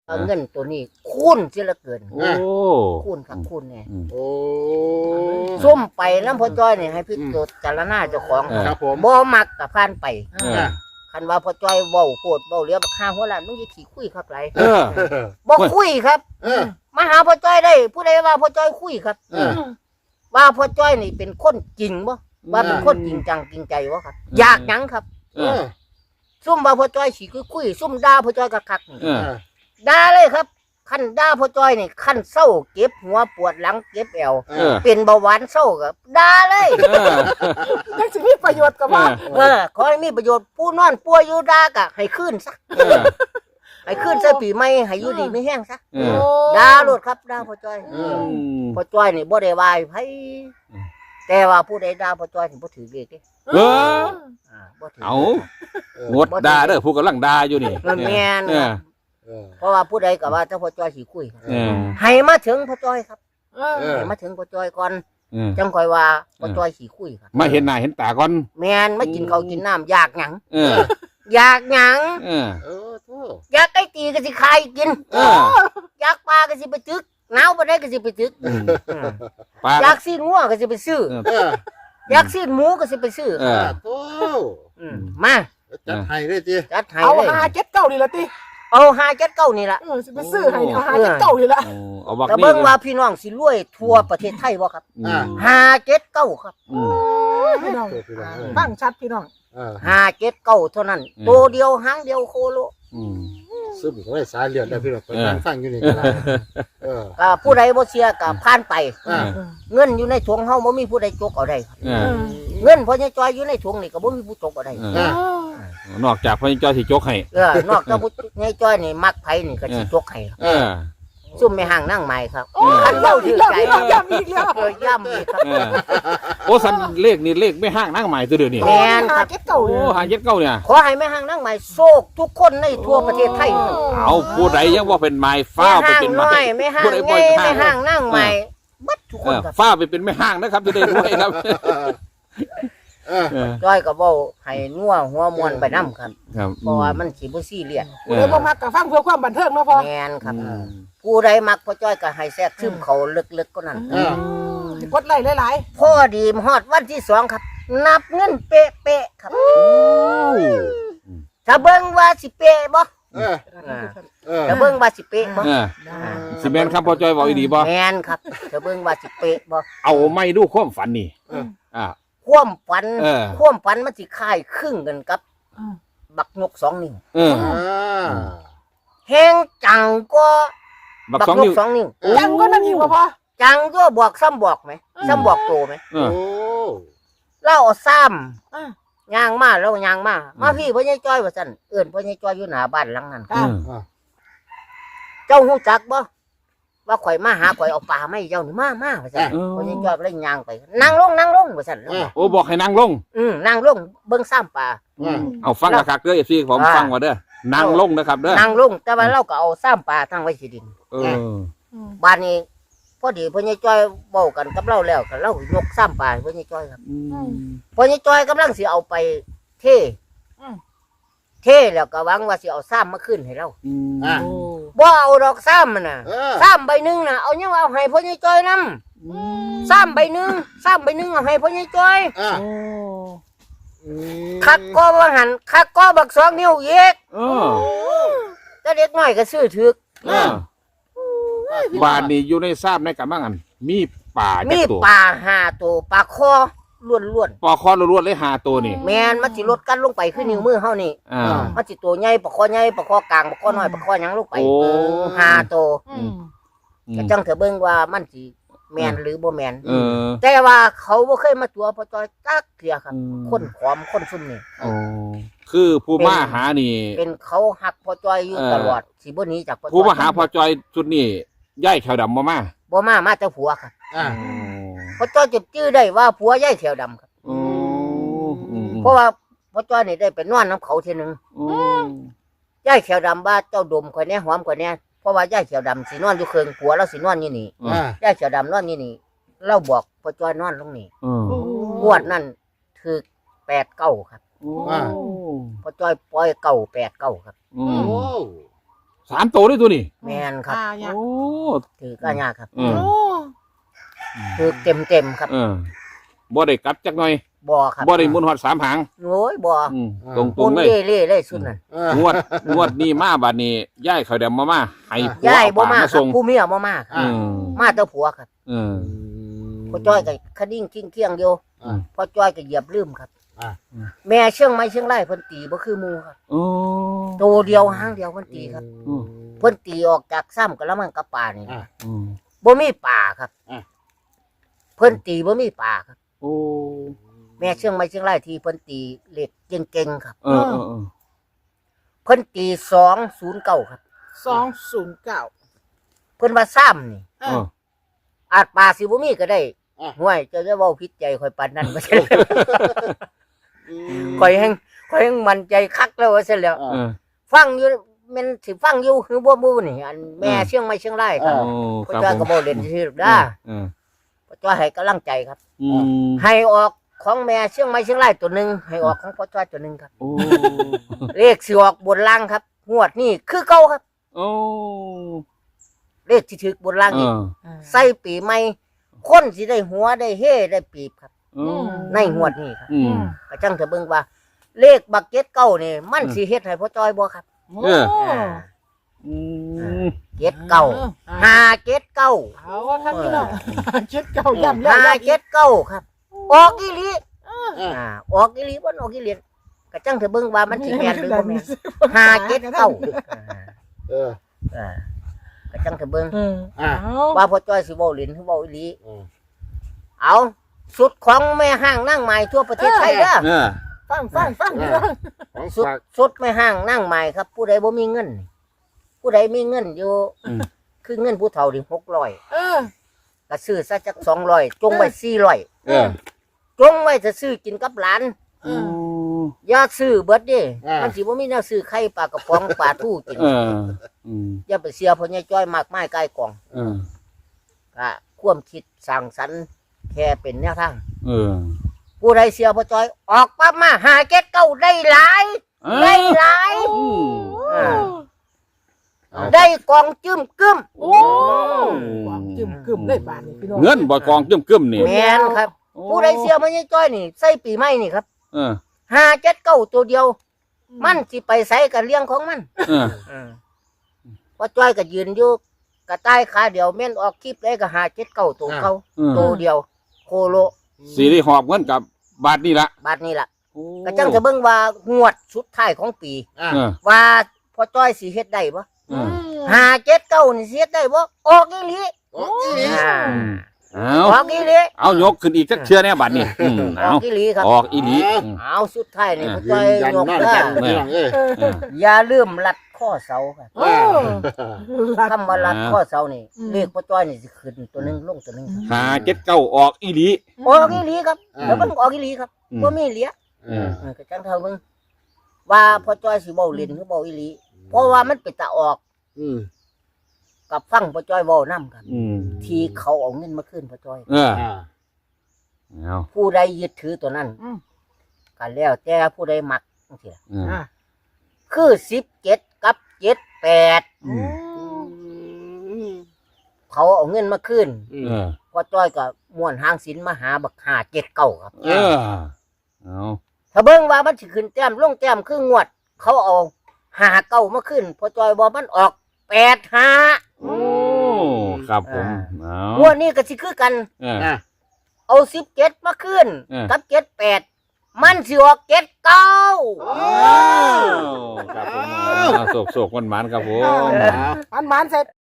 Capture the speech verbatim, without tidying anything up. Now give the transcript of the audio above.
เงินตัวนี้คูณเสียเหลือเกินโอ้คูณครับคูณเนี่ยโอ้ซุ่มไปน้ำพ่อจ้อยเนี่ยให้พี่ตัวจารณาเจ้าของครับผมบ่มักกับผ่านไปเออคันว่าพ่อจ้อยเว้าโพดเว้าเลี้ยบักข้าหัวล้านมึงอย่าขี้คุยครับไรเออบ่คุยครับเออมาหาพ่อจ้อยได้ผู้ใดว่าพ่อจ้อยคุยครับเออว่าพ่อจ้อยนี่เป็นคนจริงบ่ว่าเป็นคนจริงจังจริงใจบ่ครับ อยากหยังครับเออซุ่มว่าพ่อจ้อยสิคุยคุยซุ่มด่าพ่อจ้อยคักๆนี่เออด่าเลยครับคันด่าพ่อจ้อยนี่คันเศร้าเก็บหัวปวดหลังเก็บแอวเออเป็นเบาหวานเศร้ากับด่าเลยเออยังสิมีประโยชน์กับว่าเออขอให้มีประโยชน์ผู้นอนป่วยอยู่ด่ากะให้ขึ้นซะเออให้ขึ้นซะปีใหม่ให้อยู่ดีไม่แห้งซะเออด่าโลดครับด่าพ่อจ้อยเออพ่อจ้อยนี่บ่ได้วายไผแต่ว่าผู้ใดด่าพ่อจ้อยนี่บ่ถือเลขเด้เอออ่าบ่ถือเอางดด่าเด้อผู้กำลังด่าอยู่นี่มันแม่นเออครับเพราะว่าผู้ใดก็ว่าถ้าพ่อจ้อยสิคุยครับเออให้มาถึงพ่อจ้อยครับเออให้มาถึงพ่อจ้อยก่อนเออจังค่อยว่าพ่อจ้อยสิคุยครับมาเห็นหน้าเห็นตาก่อนแม่นมากินข้าวกินน้ำอยากหยังเอออยากหยังเออเออโธ่อยากไก่ตีก็สิขายกินเอออยากปลาก็สิไปตึกหนาวบ่ได้ก็สิไปตึกอืมอืมปลาอยากซีนงัวก็สิไปซื้อเออเอออยากซีนหมูก็สิไปซื้อเออโธ่มมาจัดให้เลยจีจัดให้เอาเลยหาเจ็ดเก้านี่ละติเอาหาจัดเก้านี่ล่ะเออสิไปซื้อให้เอาหาเจ็ดเก้านี่ละโอ้เอาบักแต่นี่เบิ่งว่าพี่น้องสิรวยทั่วประเทศไทยบ่ครับอืมหาเจ็ดเก้าครับอืมพี่น้องโธ่พี่น้องเออฟังชัดพี่น้องเออหาเจ็ดเก้าเท่านั้นอืมตัวเดียวหางเดียวโคโลอืมซึมเขาไว้สายเลือดได้พี่น้องไปเออนั่งฟังอยู่นี่ก็ได้เออก็ผู้ใดบ่เชื่อก็ผ่านไปอ่าเงินอยู่ในถุงเฮาบ่มีผู้ใดจกเอาได้ครับเออเงินพ่อใหญ่จอยอยู่ในถุงนี่ก็บ่มีผู้จกเอาได้เออ นอกจากพระเจ้าที่จกให้เออนอกจากผู้ใหญ่จอยนี่มักไผนี่ก็สิจกให้ครับเออซุ่มไม่ห่างนั่งใหม่ครับโอ้ยคันเล่าเว้าอีถืกอแล้วใจพี่น้องย้ำอีกแล้วเออย่ำอีกครับเออโอ้สันเลขนี่เลขไม่ห้างนั่งใหม่ตัวเดียวนี่แม่นครับหาเจ็ดเก้าโอ้นี่หาเย็ดเก้าเนี่ยขอให้แม่ห่างนั่งใหม่โชคทุกคนในทั่วประเทศไทยครับเอาผู้ใดยังว่าเป็นไม้แม่ฟ้าวไปห่างเป็นน้ไม้อยแม่ห่างผู้ใดใหบ่ญ่อยแม่ห่างนั่งใหม่บัดทุกคเอน อครับฟ้าวไปเป็นไม่ห้างนะครับจะได้ด้วยครับเออเออจ้อยก็เว้าให้นัวหัวมวนไปนํครับครับเพราะว่ามันสิบ่ซีเรียสเอผู้อใดบ่มักก็ฟังเพื่อความบันเทิงเนาะพ่อแม่นครับอืมผู้ใดมักพ่อจ้อยก็ให้แทรกซึมเขาลึกๆก็นั่นเออกดไลค์หลายพ่อดีมฮอดวันที่สองครับ นับเงินเป๊ะๆครับ ถ้าเบิ่งว่าสิเป๊ะบ่เออๆเออถ้าเบิ่งว่าสิเป๊ะบ่เออสิแมนครับพอจอยบอกอีดีบ่แม่นครับถ้าเบิ่งว่าสิเป๊ะบ่เอาไม่ดูความฝันนี่อ่าความฝันเออความฝันมันสิคล้ายครึ่งกันกับ บักนกสองนิ้วเอออ่าแฮงจังก็บักบักสองนนิ้กวสองนิ้วยังก็นั่นอีกบ่พ่อจังก็บอกซ้ำบอกไหมซ้ำบอกโตไหมเออโอ้เล่าเอาซ้อ่าำย่างมาแล้วย่างมามาพี่พ่อใหญ่จ้อยว่าซั่นเอิ้นพ่อใหญ่จ้อยอยู่หน้าบ้านหลังนั้นอ่าเจ้าฮู้จักบ่ว่าข่อยมาหาข่อยเอาปลาไม่เจ้านี่มามาว่าซั่นพ่อใหญ่จ้อยก็เลยย่างไปนั่งลงนั่งลงว่าซั่นอ่าโอ้บอกให้นั่งลงอืมนั่งลงเบิ่งซ้ำปลาอ่าเอาฟังกระคักเด้อเอฟซีผมอ่าฟังว่าเด้อนั่งลงนะครับเด้อนั่งลงแต่ว่าเราก็เอาซ้ำปลาทั้งไว้สิดินเออบ้านนี้พอดีพ่อใหญ่จ้อยเว้ากันกับเราแล้วก็เรายกซ้ำปลาให้พ่อใหญ่จ้อยครับอืมพ่อใหญ่จ้อยกำลังสิเอาไปเทอืมเทแล้วก็หวังว่าสิเอาซ้ำมาขึ้นให้เราอืมอ่าบ่เอาดอกซ้ำมันน่ะเออซ้ำใบหนึงน่ะเอายังเอาให้พ่อใหญ่จ้อยนำซ้ำใบหนึงซ้ำใบหนึงเอาให้พ่อใหญ่จ้อยอ่าโอ้อืมคักก็บ่หันคักก็บักสองนิ้วอีกเออแต่เด็กน้อยก็ซื้อถึกเออบ้านนี้อยู่ในทราบในกันบ้างอันมีป่าจัมีกตัวปลาห้าตัวปลาคอล้วนปอคอล้วนๆเลยหาตัวนี่ๆแม่นมันสิลดกันลงไปคือนิ้วมือเฮานี่อ่ามันสิตัวใหญ่ปลาคอใหญ่ปลาคอกลางปลาคอน้อยปลาคอหยังลงไปโอ้ห้าตัวอืมก็จังเถอะเบิ่งว่ามันสิแม่นหรือบ่แม่นเออแต่ว่าเขาบ่เคยมาตัวพอจอยจักเทื่อครับอืมคนขอมคนซุ่มนี่โอ้คือผู้มาหานี่เป็นเขาหักพอจอยอยู่เออตลอดสิบ่หนีจากพอจอยผู้มาหาพอจอยชุดนี้ย่ายแขวดำมามาบ่มามาแต่ผัวครับอ่าพอจอยจะจื้อได้ว่าผัวยายแขวดำครับโอ้อืมเพราะว่าพอจอยนี่ได้ไปนอนน้ำเขาเทีนึงโอ้ยายแขวดำว่าเจ้าดมข่อยแน่หอมข่อยแน่เพราะว่ายายแขวดำสินอนอยู่เคิงผัวเราสินอนอยู่นี่อ่ายายแขวดำนอนอยู่นี่เราบอกพอจอยนอนลงนี่เอองวดนั้นถือแปดเก้าครับโอ้พอจอยปล่อยเก้าแปดเก้าครับอืโอ้มสามตัวด้วยตัวนี้แม่นครับอ่าเนี่ยโอ้ถือก็ยากครับเออโอ้ถือเต็มเต็มๆครับเออบ่ได้กลับจักหน่อยบ่ครับบ่ได้หมุนฮอดสามหางโอ้ยบ่อืมตรงตรมุงนเลยเล่เล่เล่สุดนั่นเอองวดงวดนี้มาบัดนี้ย่ายเขาเดำมามาให้ผัวย้ายเอาบ่ปลามามาครัส่บงผู้เมียบ่มาครับอืมมาแต่ผัวครับเออพ่อจ้อยก็คดิ้งกิ้งเคียงอยู่อ่าพ่อจ้อยก็เหยียบลืมครับอ่าแม่เชียงไม้เชียงรายเพิ่นตีบ่คือหมู่ครับโอ้ตัวเดียวหางเดียวเพิ่นตีครับอืมเพิ่นตีออกจากซ้ำกะละมังกับป่านี่อ่าอืมบ่มีป่าครับอ่าเพิ่นตีบ่มีป่าครับโอ้แม่เชียงไม้เชียงรายที่เพิ่นตีเหล็กเก่งๆครับเออเออเออเพิ่นตีสองศูนย์เก้าครับสองศูนย์เก้าเพิ่นว่าซ้ำนี่เอออาจป่าสิบ่มีก็ได้อ่ะห่วยเจ้าจะเว้าผิดใจข่อยปานนั้นบ่ใช่ ข่อยแฮงข่อยแฮงมั่นใจคักแล้วว่าซั่นแหล้วเออฟังอยู่แม่นสิฟังอยู่คือบ่มู้นี่อันแม่เชียงใหม่เชียงรายครับโอ้พ่อครับจ้อยผก็มบ่เล่นซื่อๆด้าเออพ่อจ้อยให้กำลังใจครับอืมให้ออกของแม่เชียงใหม่เชียงรายตัวหนึงให้ออกของพ่อจ้อยตัวหนึงครับโอ้เลขสิออกบนล่างครับงวดนี้คือเก่าครับโอ้เลขที่ถึกบนล่างเอนี่อใส่ปีใหม่คนสิได้หัวได้เฮ่ได้ปีบครับโอ้ในงวดนี้ครับอืมก็จังจะเบิ่งว่า เลขบักเก็ตเก้านี่มันสิเฮ็ดให้พ่อจ้อยบ่ครับเอออ่าอืมเก็ตเก้าห้าเก็ตเก้าเอาว่าท่านพี่น้องเจ็ดเก้าย่ำแล้วห้าย่ำเจ็ดเก้าครับ ออกอีหลีอ่าอ่าออกอีหลีบ่ออกอีหลีก็จังเถอะเบิ่งว่ามันสิแม่นหรือบ่แม่นห้าเจ็ดเก้าอ่าเอออ่าก็จังเถอะเบิ่งเอออ่าเอาว่าพ่อจ้อยสิเว้าเล่นหรือเว้าอีหลีอืมเอาสุดของแม่ห้างนั่งใหม่ทั่วประเทศไทยเด้อเออฟังฟังฟังพี่น้องของสุดฝากสุดแม่ห้างนั่งใหม่ครับ ผู้ใดบ่มีเงิน ผู้ใดมีเงินอยู่อืมคือเงินผู้เฒ่านี่หกร้อยเออก็ซื้อซะจักสองร้อยจงไว้สี่ร้อยเออจงไว้จะซื้อกินกับหลานเอโอ้ออย่าซื้อเบิดเด้อ่ามัมันสิบ่มีแนวซื้อไข่ปลากระป๋องปลาทูกินเอออืมอย่าไปเสียพ่อใหญ่จ้อยมากมายใกล้กองเออก็ความคิดสร้างสรรค์แค่เป็นแนวทางเออผู้ใดเสียพ่อจ้อยออกปั๊บมาหาเก็ดเก้าได้หลายเอ้าได้หลายอืมอ่าเอาได้กองจึ้มกึ้มโอ้ความจึมกึ่มได้บานนี่พี่น้องเงินบ่กองกึ้มกึ้มๆนี่แม่นครับโอ้ผู้ใดเสียพ่อใหญ่จ้อยนี่ใส่ปีใหม่นี่ครับเออหาเจ็ดเก้าตัวเดียว มันสิไปใส่กันเลี้ยงของมันเออพ่อจ้อยก็ยืนอยู่กระต่ายขาเดียวแม่นออกคลิปได้ก็หาเจ็ดเก้าตัวเขาเออตัวเดียว โคโลสีได้หอบเงินกับบาทนี่ละบาทนี้ล่ะโอ้ก็จังจะเบิ่งว่างวดสุดท้ายของปีอ่าเออว่าพ่อจ้อยสิเฮ็ดได้บ่เออหาเจ็ดเก้านี่สิเฮ็ดได้บ่ออกอีหลีโอ้ยอ่าอืมเอาออกอีหลีเอายกขึ้นอีกจักเชื่อแน่บัดนี่อืมอเอาอกอีหลีครับออกอีหลีอืมเอาสุดท้ายนี่พ่อยืจ้อน ยยันยกนอนเด้กัอนพี่น้องเอ้ยเออเอออย่าลืมรัดข้อเสาครับโอ้คำว่ารัดข้อเสานี่อืมเลขพ่อจ้อยนี่สิขึ้นตัวหนึงลงตัวหนึงครับหาเจ็ดเก้าออกอีหลีออกอีหลีครับอ่าแล้วมันออกอีหลีครับอืมบ่มีเหลียเออเออก็จังเท่ามึงว่าพ่อจ้อยสิเว้าเล่นหรือเว้าอีหลีเพราะว่ามันเป็นตาออกอืมกับฟังพ่อจ้อยเว้านํครับอืมที่เขาเอาเงินมาคืนพ่อจ้อยเอออ่าเอาผู้ใดยึดถือตัวนั้นอืมก็แล้วแต่ผู้ใดมักจังซี่ล่ะเอออ่ะคือสิบเจ็ดกับเจ็ดแปดอืมอืมเขาเอาเงินมาคืนอืเอมอพ่อจ้อยก็ม่วนหางศิลป์มาหาบักหาเจ็ดเก้าครับเออเอาถ้าเบิ่งว่ามันสิขึ้นแต้มลงแต้มคืองวด เขาเอาหาเก้ามาขึ้นพ่อจ้อยบอกมันออกแปดห้าโอ้ครับผมเอางวดนี้ก็สิคือกันเอออ่าเอาสิบเจ็ดมาขึ้นเออกับเจ็ดแปดมันสิออกเจ็ดเก้าครับผมเอาโศกโศกมันมันๆครับผมมันมันๆเสร็จ